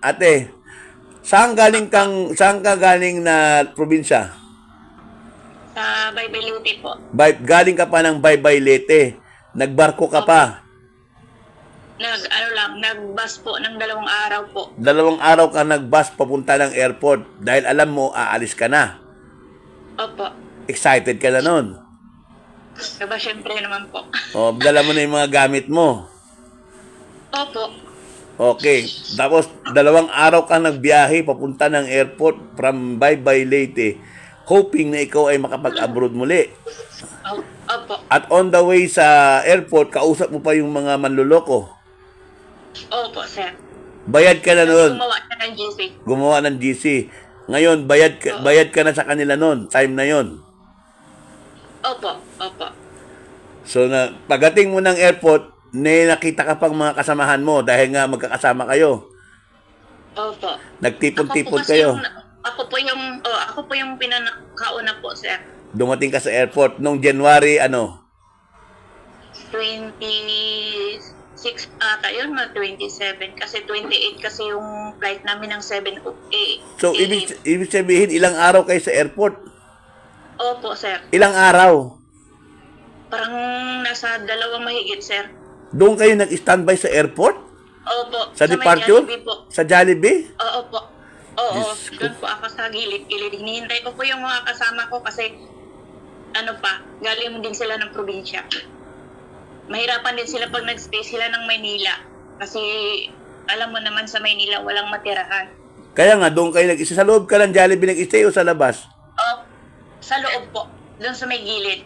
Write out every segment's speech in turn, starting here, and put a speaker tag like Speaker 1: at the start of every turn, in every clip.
Speaker 1: ate, saan ka galing na probinsya?
Speaker 2: Sa Baybeluti po.
Speaker 1: Galing ka pa ng Baybay Leyte. Nagbarko ka pa.
Speaker 2: Nag-bus po ng 2 araw po.
Speaker 1: 2 araw ka nagbus papunta ng airport dahil alam mo, aalis ka na.
Speaker 2: Opo.
Speaker 1: Excited ka na nun.
Speaker 2: Diba, syempre naman po.
Speaker 1: O, dala mo na yung mga gamit mo.
Speaker 2: Opo.
Speaker 1: Okay. Tapos, 2 araw ka nagbiyahe papunta ng airport from Baybay Leyte, hoping na ikaw ay makapag-abroad muli.
Speaker 2: Opo.
Speaker 1: At on the way sa airport, kausap mo pa yung mga manluloko.
Speaker 2: Opo, sir.
Speaker 1: Bayad ka na noon.
Speaker 2: Gumawa na ng GC.
Speaker 1: Gumawa ng GC. Ngayon, bayad ka na sa kanila noon. Time na yon.
Speaker 2: Opo. Opo.
Speaker 1: So, pagdating mo ng airport, nakita ka pang mga kasamahan mo dahil nga magkakasama kayo.
Speaker 2: Opo.
Speaker 1: Nagtipon-tipon kayo.
Speaker 2: Ako po yung pinakauna po, sir.
Speaker 1: Dumating ka sa airport noong January,
Speaker 2: 26 ata yun, 27. Kasi 28 kasi yung flight namin ng 7
Speaker 1: So, ibig sabihin, ilang araw kayo sa airport?
Speaker 2: Opo, sir.
Speaker 1: Ilang araw?
Speaker 2: Parang nasa 2 mahigit, sir.
Speaker 1: Doon kayo nag-standby sa airport?
Speaker 2: Opo.
Speaker 1: Sa
Speaker 2: may
Speaker 1: departure?
Speaker 2: Jollibee po.
Speaker 1: Sa Jollibee?
Speaker 2: Oo po. Oo,
Speaker 1: Diyos ko.
Speaker 2: doon po ako sa gilid-gilid. Hinihintay ko po yung mga kasama ko kasi galing din sila ng probinsya. Mahirapan din sila pag nag-stay sila ng Maynila. Kasi alam mo naman sa Maynila walang matirahan.
Speaker 1: Kaya nga, doon kayo nag-isa. Sa loob ka ng Jollibee nag-stay o sa labas?
Speaker 2: Sa loob po. Doon sa may gilid.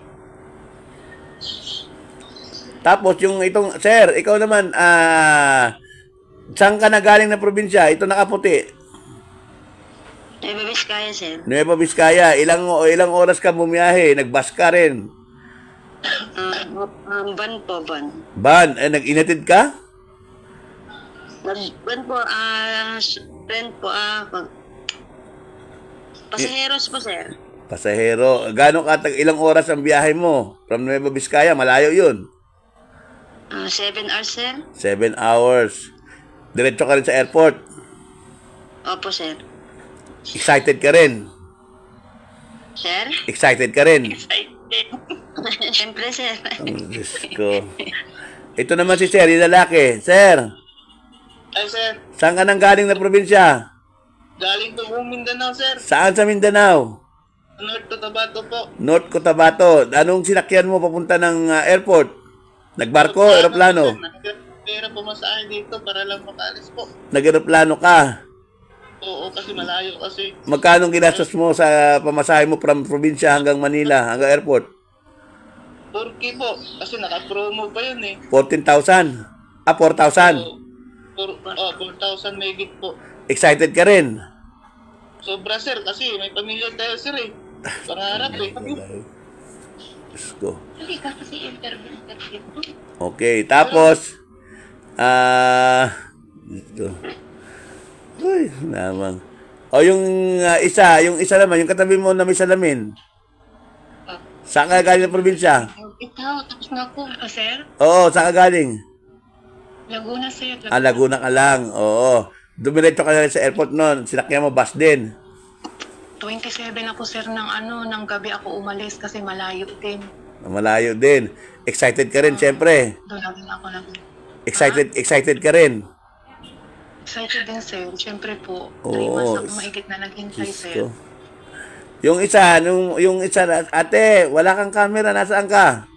Speaker 1: Tapos sir, ikaw naman, saan ka na galing na probinsya? Ito nakaputi.
Speaker 2: Nueva Vizcaya, sir.
Speaker 1: Nueva Vizcaya. Ilang oras ka bumiyahe? Nagbus ka rin?
Speaker 2: Van po, van.
Speaker 1: Van, nag-inatid ka?
Speaker 2: Van po, friend po, pasaheros po, sir.
Speaker 1: Pasahero. Ilang oras ang biyahe mo? From Nueva Vizcaya, malayo yun.
Speaker 2: 7 hours, sir.
Speaker 1: 7 hours. Diretso ka rin sa airport.
Speaker 2: Opo, sir.
Speaker 1: Excited ka rin.
Speaker 2: Sir?
Speaker 1: Excited ka rin.
Speaker 2: Excited. Siyempre, sir.
Speaker 1: Ang Diyos ko. Ito naman si Sir, yung lalaki. Sir,
Speaker 3: Ay, sir.
Speaker 1: saan ka nang galing na probinsya?
Speaker 3: Galing po Mindanao, sir.
Speaker 1: Saan sa Mindanao?
Speaker 3: North Cotabato po.
Speaker 1: North Cotabato. Anong sinakyan mo papunta ng airport? Nagbarko, eroplano?
Speaker 3: Pera pumasahe dito para lang makalis po.
Speaker 1: Nag-eroplano ka.
Speaker 3: Oo, kasi malayo kasi.
Speaker 1: Magkano ginastos mo sa pamasahe mo from probinsya hanggang Manila, hanggang airport?
Speaker 3: 4K po. Kasi naka-promo pa yun eh.
Speaker 1: 14,000. 4,000.
Speaker 3: 4,000 megit po.
Speaker 1: Excited ka rin?
Speaker 3: Sobra, sir, kasi may pamilya tayo, sir eh. Pangarap eh.
Speaker 1: Diyos ko.
Speaker 2: Hindi ka kasi interview.
Speaker 1: Okay, tapos, ito. Uy, naman. O yung isa naman, yung katabi mo na may salamin. Saan ka galing na probinsya?
Speaker 2: Ikaw, tapos na ako. Sir?
Speaker 1: Oo, saan ka galing?
Speaker 2: Laguna, sir.
Speaker 1: Laguna ka lang. Oo. Dumiretso ka na sa airport noon. Sinakyan mo bus din.
Speaker 4: 27 ako, sir, ng gabi ako umalis kasi malayo din.
Speaker 1: Malayo din. Excited ka rin, syempre.
Speaker 4: Doon na rin ako
Speaker 1: Excited ka rin.
Speaker 4: Excited din, sir. Siyempre po, 3
Speaker 1: Oo.
Speaker 4: months ako mahigit na naghintay,
Speaker 1: Diyos
Speaker 4: sir.
Speaker 1: ko. Yung isa, ate, wala kang camera, nasaan ka?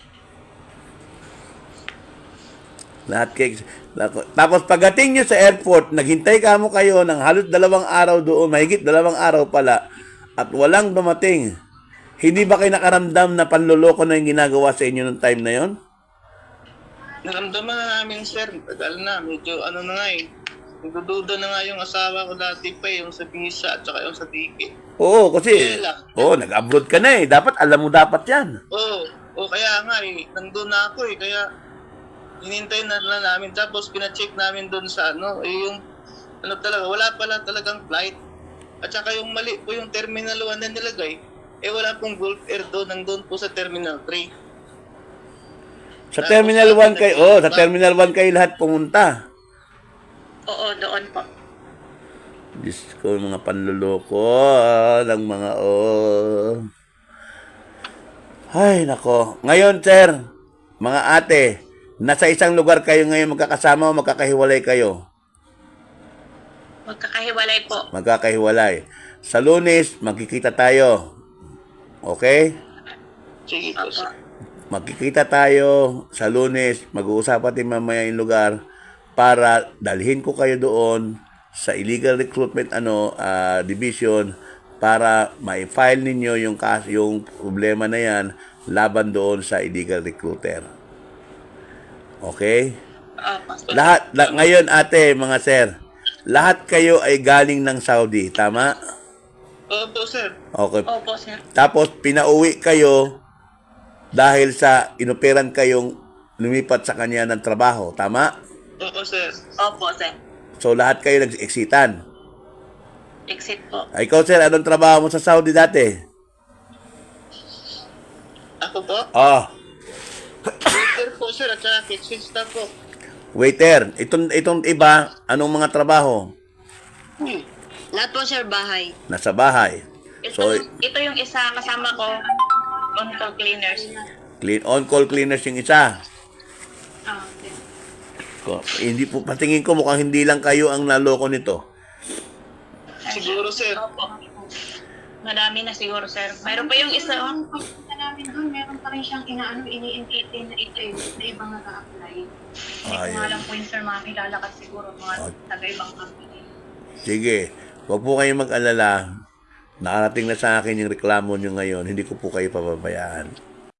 Speaker 1: Tapos pagdating nyo sa airport, naghintay ka mo kayo ng halos 2 araw doon, mahigit 2 araw pala, at walang dumating. Hindi ba kayo nakaramdam na panloloko na yung ginagawa sa inyo nung time na yon?
Speaker 3: Naramdaman na namin, sir. Tagal na. Medyo na nga eh. Nagdududa na nga yung asawa ko dati pa eh. Yung sa visa at saka yung sa ticket.
Speaker 1: Oo, kasi, nag-abroad ka na eh. Dapat, alam mo dapat yan.
Speaker 3: Oo, kaya nga eh. Nandun na ako eh. Kaya, hinintay na namin. Tapos, pina-check namin doon sa yung, talaga, wala pala talagang flight. At saka yung mali po yung Terminal 1 na nilagay, wala pong Gulf Air doon. Nandun po sa Terminal 3.
Speaker 1: Sa Terminal 1 kayo, sa Terminal 1 kayo lahat pumunta.
Speaker 2: Oo, doon po.
Speaker 1: Diyos ko, mga panluloko ng mga Ay, nako. Ngayon, sir, mga ate, nasa isang lugar kayo ngayon magkakasama o magkakahiwalay kayo?
Speaker 2: Magkakahiwalay po.
Speaker 1: Magkakahiwalay. Sa Lunes, magkikita tayo. Okay?
Speaker 3: Sige po, sir.
Speaker 1: Magkikita tayo sa Lunes, mag-uusapan din mamaya yung lugar para dalhin ko kayo doon sa illegal recruitment division para ma-file ninyo yung problema na yan laban doon sa illegal recruiter. Okay?
Speaker 2: Opo.
Speaker 1: Ngayon ate, mga sir, lahat kayo ay galing ng Saudi, tama?
Speaker 3: Opo, sir.
Speaker 1: Okay.
Speaker 2: Opo, sir.
Speaker 1: Tapos pinauwi kayo dahil sa inoperan kayong lumipat sa kanya ng trabaho, tama?
Speaker 3: Opo, sir.
Speaker 2: Opo, sir.
Speaker 1: So lahat kayo nag-exitan.
Speaker 2: Exit po.
Speaker 1: Ikaw sir, anong trabaho mo sa Saudi dati?
Speaker 3: Ako po? Waiter po, sir, at saka kitchen staff po.
Speaker 1: Waiter. Itong iba, anong mga trabaho?
Speaker 2: Lahat po, sir, bahay.
Speaker 1: Nasa bahay. So,
Speaker 2: Ito yung isa kasama ko, on-call cleaners.
Speaker 1: on-call cleaners yung isa.
Speaker 2: Okay.
Speaker 1: Hindi po, patingin ko mukhang hindi lang kayo ang naloko nito.
Speaker 3: Siguro, sir.
Speaker 2: Opo. Madami na siguro, sir. Mayroon pa yung isa,
Speaker 4: Ang pagpunta namin doon, meron pa rin siyang ini-entertain na ito na ibang nag-a-apply. Hindi ko nga alam po yung sir, mga kilala kasi siguro mga taga-ibang company.
Speaker 1: Sige, huwag po kayong mag-alala. Nakarating na sa akin yung reklamo nyo ngayon. Hindi ko po kayo pababayaan.